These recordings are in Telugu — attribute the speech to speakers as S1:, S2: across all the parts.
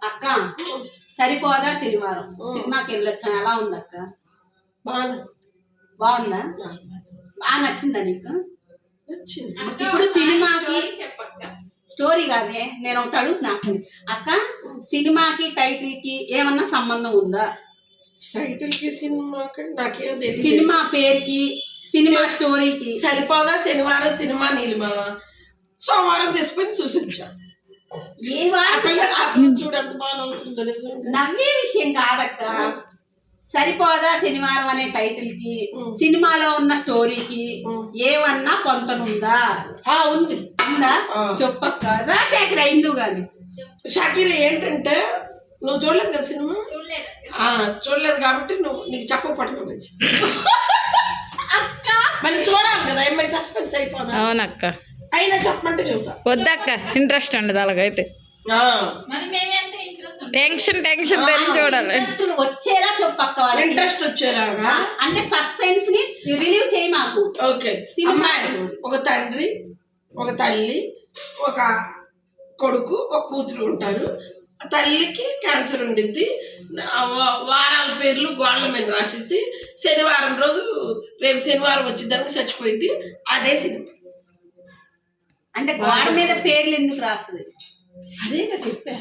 S1: అక్క సరిపోదా శనివారం సినిమాకి వెళ్ళొచ్చాను. ఎలా ఉంది అక్క? బాగుందా? బాగా నచ్చిందా నీకు? ఇప్పుడు సినిమాకి స్టోరీ కాదే, నేను ఒకటి అడుగుతున్నా అక్క, సినిమాకి టైటిల్ కి ఏమన్నా సంబంధం ఉందా?
S2: టైటిల్ కి సినిమాకి నాకేం తెలియదు.
S1: సినిమా పేరుకి సినిమా స్టోరీకి
S2: సరిపోదా శనివారం సినిమా నీలిమ సోమవారం తీసుకుని చూసించా.
S1: ఏ వారం
S2: చూడంత బాగా
S1: నవ్వే విషయం కాదక్క. సరిపోదా శనివారం అనే టైటిల్ కి సినిమాలో ఉన్న స్టోరీకి ఏమన్నా పొంతనుందా?
S2: ఉంది.
S1: ఉందా? చెప్పక్క. రాజశేఖర్ అయిందు గాని
S2: షకీర్ ఏంటంటే నువ్వు చూడలేదు కదా సినిమా, చూడలేదు కాబట్టి నీకు చెప్పకపోవడం మంచిది.
S1: అక్క
S2: మరి చూడాలి కదా, అమ్మాయి సస్పెన్స్ అయిపోదా.
S3: అవునక్క.
S2: అయినా చెప్పమంటే చెబుతా.
S3: వద్దక్క, ఇంట్రెస్ట్ ఉండదు అలాగైతే. టెన్షన్ తెలిసి చూడాలి.
S1: వచ్చేలా చెప్పక్క, వాళ్ళకి
S2: ఇంట్రెస్ట్ వచ్చేలాగా.
S1: అంటే సస్పెన్స్ ని రిలీవ్ చేయి మాకు.
S2: ఓకే. అమ్మాయి ఒక తండ్రి, ఒక తల్లి, ఒక కొడుకు, ఒక కూతురు ఉంటారు. తల్లికి క్యాన్సర్ ఉండిద్ది. వారాల పేర్లు గోడల మీద రాసిద్ది. శనివారం రోజు రేపు శనివారం వచ్చిద్దానికి చచ్చిపోయిద్ది. అదే సినిమా.
S1: అంటే గోడ మీద పేర్లు ఎందుకు రాస్తుంది?
S2: అదేగా చెప్పా.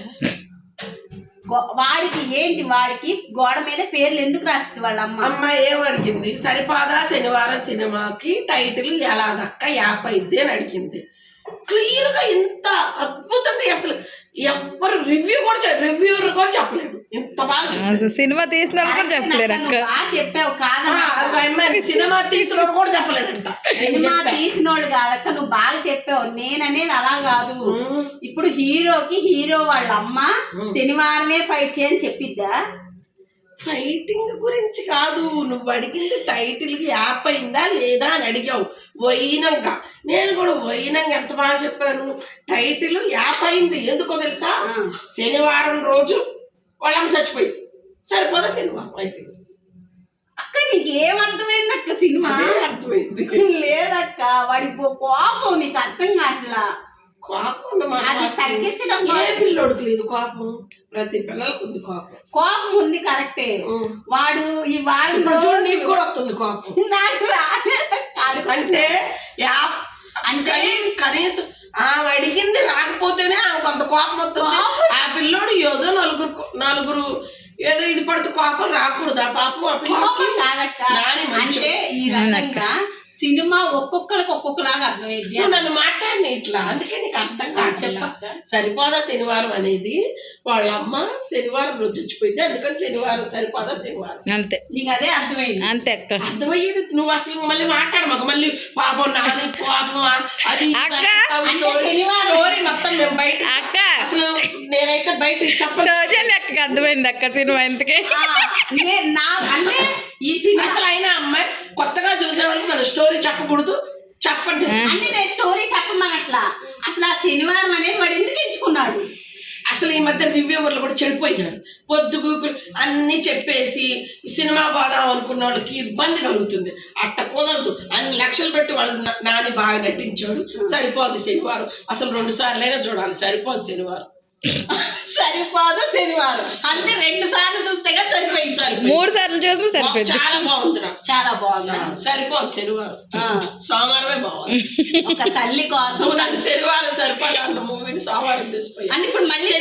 S1: వాడికి ఏంటి, వాడికి గోడ మీద పేర్లు ఎందుకు రాస్తుంది వాళ్ళ అమ్మ?
S2: అమ్మ ఏమడిగింది, సరిపాదా శనివారం సినిమాకి టైటిల్ ఎలాగక్క యాప్ అయితే అని అడిగింది. క్లియర్ గా ఇంత అద్భుతంగా అసలు ఎవ్వరు రివ్యూర్ కూడా చెప్పలేడు. ఎంత బాగా
S3: సినిమా తీసిన కూడా చెప్పలేరు అక్క.
S1: చెప్పావు కాదా?
S2: సినిమా తీసినోడు కూడా చెప్పలేడంట.
S1: సినిమా తీసినోడు కాదక్క, నువ్వు బాగా చెప్పావు. నేననేది అలా కాదు. ఇప్పుడు హీరోకి హీరో వాళ్ళ అమ్మ శనివారమే ఫైట్ చేయని చెప్పిద్దా?
S2: ఫైటింగ్ గురించి కాదు, నువ్వు అడిగింది టైటిల్ కి యాప్ అయిందా లేదా అని అడిగావు. పోయినాక నేను కూడా పోయినాక ఎంత బాగా చెప్పాను. టైటిల్ యాప్ అయింది. ఎందుకో తెలుసా, శనివారం రోజు వాళ్ళమ్మ చచ్చిపోయింది. సరిపోదా శనివారం అయిపోయింది.
S1: అక్క నీకు ఏమర్థమైంది అక్క? సినిమా
S2: అర్థమైంది
S1: లేదక్క, వాడి కోపం నీకు అర్థం కావట్లా.
S2: కోపం
S1: తగ్గించడం
S2: ఏ పిల్లోడికి లేదు కోపం, ప్రతి పిల్లలకు ఉంది కోపం.
S1: కోపం ఉంది కరెక్టే. వాడు ఈ వారం రోజు
S2: నీకు కూడా వస్తుంది కోపం.
S1: నాకు రాలేదు.
S2: అంటే అంటే కనీసం ఆమె అడిగింది రాకపోతేనే ఆమె కొంత కోపం వస్తుంది. ఆ పిల్లోడు ఏదో నలుగురు ఏదో ఇది పడుతూ కోపం రాకూడదు. ఆ పాపం ఆ పిల్లకి
S1: అంటే ఈ రకంగా సినిమా ఒక్కొక్కరికి ఒక్కొక్కలాగా అర్థమైంది.
S2: నన్ను మాట్లాడిన ఇట్లా, అందుకే నీకు అర్థం కావట్లేదు. సరిపోదా శనివారం అనేది వాళ్ళ అమ్మ శనివారం రోజు చచ్చిపోయింది, అందుకని శనివారం సరిపోదా శనివారం
S3: అంతే.
S1: నీకు అదే అర్థమైంది?
S3: అంతే అక్క.
S2: అర్థమయ్యేది. నువ్వు అసలు మళ్ళీ మాట్లాడమాక. మళ్ళీ పాపం నాని కోపం అది స్టోరీ మొత్తం మేము బయట
S3: అక్క
S2: అసలు నేనైతే బయట చెప్పను.
S3: అక్కకి అర్థమైంది అక్క సినిమా ఇంతకే.
S1: అంటే ఈ సినిమా
S2: అసలు అయినా అమ్మాయి కొత్తగా చూసే వాళ్ళకి మన స్టోరీ చెప్పకూడదు. చెప్పండి
S1: అంటే నేను స్టోరీ చెప్పమనట్లా. అసలు ఆ శనివారం అనేది వాడు ఎందుకు ఎంచుకున్నాడు?
S2: అసలు ఈ మధ్య రివ్యూవర్లు కూడా చెడిపోయారు. పొద్దుగూకులు అన్ని చెప్పేసి సినిమా పోదాం అనుకున్న వాళ్ళకి ఇబ్బంది కలుగుతుంది. అట్ట కుదరదు. అన్ని లక్షలు పెట్టి వాళ్ళు నాని బాగా నటించాడు. సరిపోదు శనివారం. అసలు 2 సార్లైనా చూడాలి. సరిపోదు శనివారం.
S1: సరిపోదు శనివారం అంటే 2 సార్లు చూస్తే సరిపోయింది.
S3: 3 సార్లు చూస్తే సరిపోయింది.
S2: చాలా బాగుందిరా,
S1: చాలా బాగుంది.
S2: సరిపోదు శనివారం. సోమవారమే బాగుంది.
S1: ఒక తల్లి కోసం
S2: నాకు శనివారం సరిపోదు అన్న మూవీని సోమవారం తీసిపోయి
S1: అంటే ఇప్పుడు మళ్ళీ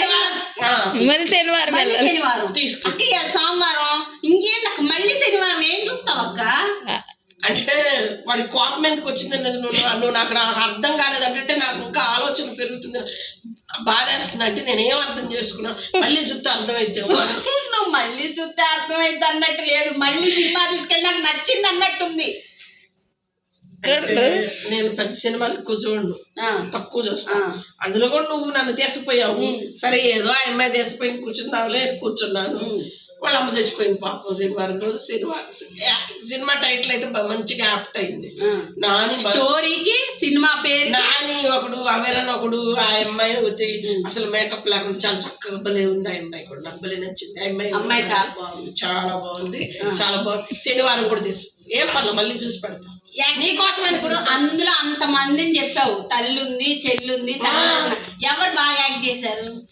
S1: శనివారం తీసుకు సోమవారం ఇంకేం నాకు మళ్ళీ శనివారం ఏం చూస్తావు అక్క?
S2: అంటే వాడి కోపం ఎందుకు వచ్చిందన్నది నువ్వు నాకు అర్థం కాలేదంటే నాకు ఇంకా ఆలోచన పెరుగుతుంది, బాధేస్తుంది. అంటే నేనేం అర్థం చేసుకున్నా, మళ్ళీ చూస్తే అర్థమైతే.
S1: నువ్వు మళ్ళీ చూస్తే అర్థమైతే అన్నట్టు లేదు, మళ్ళీ సినిమా తీసుకెళ్ళి నాకు నచ్చింది అన్నట్టుంది.
S2: నేను పెద్ద సినిమాలు ఎక్కువ చూడను, తక్కువ చూస్తాను. అందులో కూడా నువ్వు నన్ను తీసుకుపోయావు. సరే ఏదో ఆ అమ్మాయి తీసుకుపోయి కూర్చుందావులే కూర్చున్నాను. వాళ్ళ అమ్మ చచ్చిపోయింది పాపం శనివారం రోజు. సినిమా టైటిల్ అయితే మంచిగా యాప్ట్ అయింది. నాని
S1: స్టోరీకి సినిమా పేరు
S2: నాని ఒకడు, అవేలని ఒకడు. ఆ అమ్మాయి అసలు మేకప్ లేకుండా చాలా చక్కగా భలే ఉంది. ఆ అమ్మాయి కూడా నాకు భలే నచ్చింది. ఆ అమ్మాయి చాలా బాగుంది, చాలా బాగుంది, చాలా బాగుంది. శనివారం కూడా తీసుకు ఏం పర్లేదు, మళ్ళీ చూసి పెడతాం నీకోసం.
S1: ఇప్పుడు అందులో అంత మందిని చెప్పావు, తల్లి ఉంది, చెల్లి ఉంది, ఎవరు బాగా యాక్ట్ చేశారు?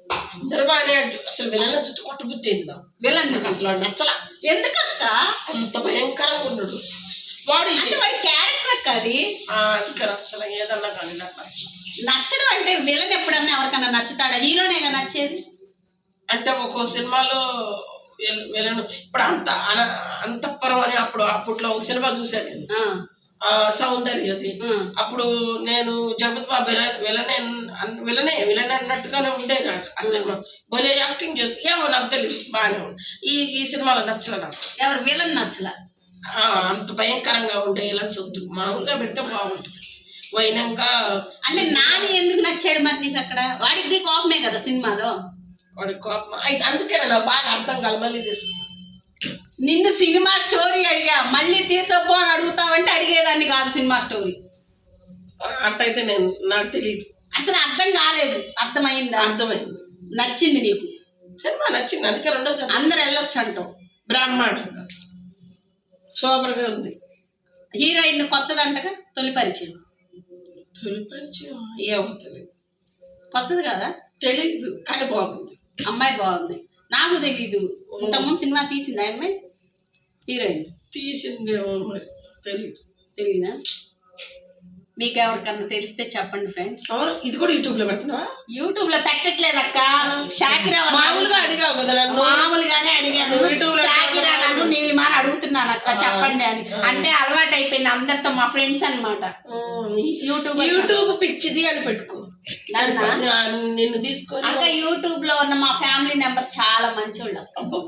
S2: అందరూ బాగానే అసలు విలన్ చుట్టూ కొట్టబుద్దేంది నాకు.
S1: విలన్
S2: నాకు అసలు వాడు నచ్చలా.
S1: ఎందుకక్క?
S2: అంత భయంకరంగా ఉన్నాడు వాడు.
S1: అంటే వాడి క్యారెక్టర్ అక్క అది.
S2: అందుకే నచ్చలా, ఏదన్నా కానీ నాకు నచ్చలా.
S1: నచ్చడం అంటే విలన్ ఎప్పుడన్నా ఎవరికన్నా నచ్చుతాడా? హీరోనేగా నచ్చేది.
S2: అంటే ఒక్కో సినిమాలో విలన్ ఇప్పుడు అంతఃపురం అని అప్పట్లో ఒక సినిమా చూశాను నేను, సౌందర్యది. అప్పుడు నేను జగపతి బాబు విలనే అన్నట్టుగానే ఉండేది ఆ సినిమా. భలే యాక్టింగ్ చేసి ఏమో నాకు తెలియదు, బాగానే ఉంది. ఈ సినిమాలో నచ్చలే నాకు.
S1: ఎవరు విలన్ నచ్చల?
S2: అంత భయంకరంగా ఉండే విలన్స్ వద్దు, మామూలుగా పెడితే బాగుంటుంది. వైనంగా
S1: అంటే నాని ఎందుకు నచ్చాడు మరి నీకు అక్కడ? వాడికి కోపమే కదా సినిమాలో.
S2: వాడి కోపం అయితే అందుకే నాకు బాగా అర్థం కాదు. మళ్ళీ తీసుకుంటా.
S1: నిన్ను సినిమా స్టోరీ అడిగా, మళ్ళీ తీసుకోపో అని అడుగుతావంటే అడిగేదాన్ని కాదు సినిమా స్టోరీ.
S2: అట్టయితే నాకు తెలియదు,
S1: అసలు అర్థం కాలేదు. అర్థమైందా?
S2: అర్థమైంది.
S1: నచ్చింది నీకు
S2: సినిమా? నచ్చింది, అందుకే రెండోసారి
S1: అందరు వెళ్ళొచ్చు అంటావు.
S2: బ్రహ్మాండంగా సూపర్గా ఉంది.
S1: హీరోయిన్ కొత్తదంటగా, తొలి పరిచయం.
S2: తొలి పరిచయం ఏమో తెలియదు.
S1: కొత్తది కదా?
S2: తెలీదు కానీ బాగుంది.
S1: అమ్మాయి బాగుంది. నాకు తెలీదు. ఇంతకుముందు సినిమా తీసింది ఆ అమ్మాయి, హీరోయిన్
S2: తీసిందేమో మరి తెలీదు.
S1: తెలీదా? మీకు ఎవరికన్నా తెలిస్తే చెప్పండి ఫ్రెండ్స్.
S2: ఇది కూడా యూట్యూబ్ లో పెడుతున్నావా?
S1: యూట్యూబ్ లో పెట్టట్లేదు అక్క. షాకిరా
S2: మామూలుగా అడిగావు కదా నన్ను.
S1: మామూలుగానే అడిగాను. షాకిరా నన్ను నీలిమాని అడుగుతున్నాను అక్క చెప్పండి అని. అంటే అలవాటు అయిపోయింది అందరితో, మా ఫ్రెండ్స్ అన్నమాట.
S2: యూట్యూబ్ పిచ్చిది అని పెట్టుకో నిన్ను తీసుకొని.
S1: అక్క యూట్యూబ్ లో ఉన్న మా ఫ్యామిలీ మెంబర్స్ చాలా మంచోళ్ళు.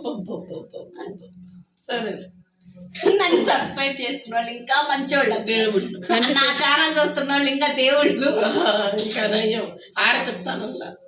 S2: సరే,
S1: నన్ను సబ్స్క్రైబ్ చేసుకున్న వాళ్ళు ఇంకా మంచోళ్ళు.
S2: దేవుళ్ళు.
S1: నా ఛానల్ చూస్తున్న వాళ్ళు ఇంకా దేవుళ్ళు.
S2: ఇంకా ఆడతాను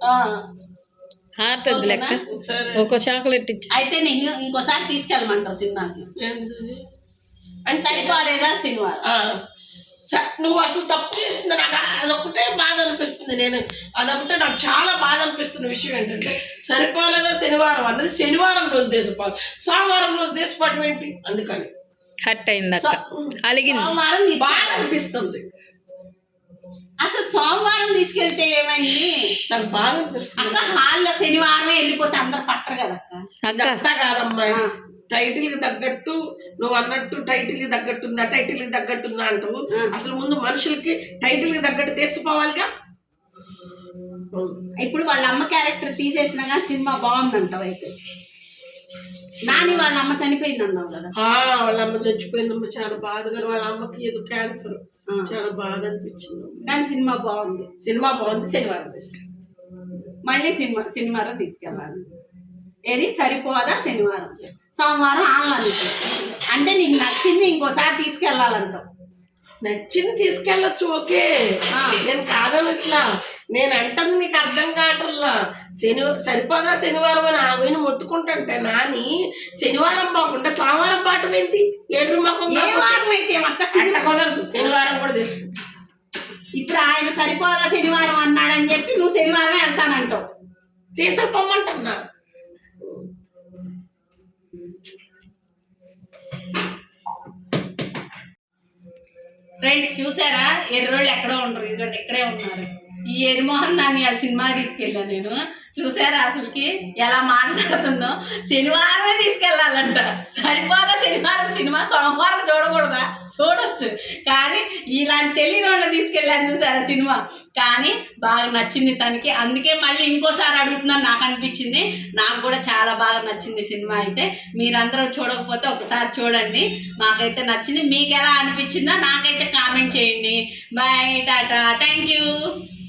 S3: లెక్క. ఒక చాక్లెట్ ఇచ్చి
S1: అయితే నేను ఇంకోసారి తీసుకెళ్ళమంటావు సినిమాకి. అని సరిపోలేదా సినిమా?
S2: నువ్వు అసలు తప్పు చేస్తుంది. నాకు అదొకటే బాధ అనిపిస్తుంది. అదొకటే నాకు చాలా బాధ అనిపిస్తున్న విషయం ఏంటంటే, సరిపోలేదా శనివారం అన్నది శనివారం రోజు దేశపాటు, సోమవారం రోజు దేశపాటు ఏంటి? అందుకని
S3: హట్ అయింది అక్క, అలిగింది.
S1: సోమవారం
S2: బాధ అనిపిస్తుంది.
S1: అసలు సోమవారం తీసుకెళ్తే ఏమైంది?
S2: నాకు బాధ అనిపిస్తుంది
S1: అక్క. హాల్లో శనివారమే వెళ్ళిపోతే అందరు పట్టరు కదా అక్క.
S2: అంతా కాదమ్మాయి, టైటిల్ కి తగ్గట్టు నువ్వు అన్నట్టు టైటిల్ కి తగ్గట్టుందా, టైటిల్ కి తగ్గట్టుందా అంటావు. అసలు ముందు మనుషులకి టైటిల్ కి తగ్గట్టు తీసిపోవాలిగా.
S1: ఇప్పుడు వాళ్ళ అమ్మ క్యారెక్టర్ తీసేసినా కానీ సినిమా బాగుందంటావు. అయితే నాని వాళ్ళ అమ్మ చనిపోయింది అన్నావు కదా.
S2: వాళ్ళ అమ్మ చచ్చిపోయిందమ్మ, చాలా బాధగా. వాళ్ళ అమ్మకి ఏదో క్యాన్సర్, చాలా బాధ అనిపించింది.
S1: కానీ సినిమా బాగుంది.
S2: శనివారం తీసుకెళ్ళి
S1: మళ్ళీ శనివారం తీసుకెళ్ళాలి. ఏది సరిపోదా శనివారం, సోమవారం ఆమె. అంటే నీకు నచ్చింది ఇంకోసారి తీసుకెళ్ళాలంటావు.
S2: నచ్చింది తీసుకెళ్ళచ్చు, ఓకే. నేను కాదనట్లా, నేను అంటాను నీకు అర్థం కావట్లా. సరిపోదా శనివారం అని ఆమెను మొత్తుకుంటుంటే నాని శనివారం పోకుండా సోమవారం పాటు ఏంటి? ఎర్ర మొక్కం
S1: అయితే
S2: కుదరదు, శనివారం కూడా తీసుకుంటా.
S1: ఇప్పుడు ఆయన సరిపోదా శనివారం అన్నాడని చెప్పి నువ్వు శనివారమే వెళ్తానంటావు.
S2: తీసుకుపోమంటున్నా.
S1: ఫ్రెండ్స్ చూసారా, ఎర్రోళ్ళు ఎక్కడో ఉండరు, ఇదిగోండి ఇక్కడే ఉన్నారు. ఈ ఎరిమోహన్ నాని ఆ సినిమా తీసుకెళ్ళా నేను. చూసారా అసలుకి ఎలా మాట్లాడుతుందో? శనివారమే తీసుకెళ్ళాలంట. సరిపోదా శనివారం సినిమా, సోమవారం చూడకూడదా? చూడొచ్చు, కానీ ఇలాంటి తెలియని వాళ్ళని తీసుకెళ్ళాను చూసారా సినిమా. కానీ బాగా నచ్చింది తనకి, అందుకే మళ్ళీ ఇంకోసారి అడుగుతున్నాను. నాకు అనిపించింది, నాకు కూడా చాలా బాగా నచ్చింది సినిమా. అయితే మీరందరూ చూడకపోతే ఒకసారి చూడండి. మాకైతే నచ్చింది. మీకు ఎలా అనిపించిందో నాకైతే కామెంట్ చేయండి. Bye, tata, thank you.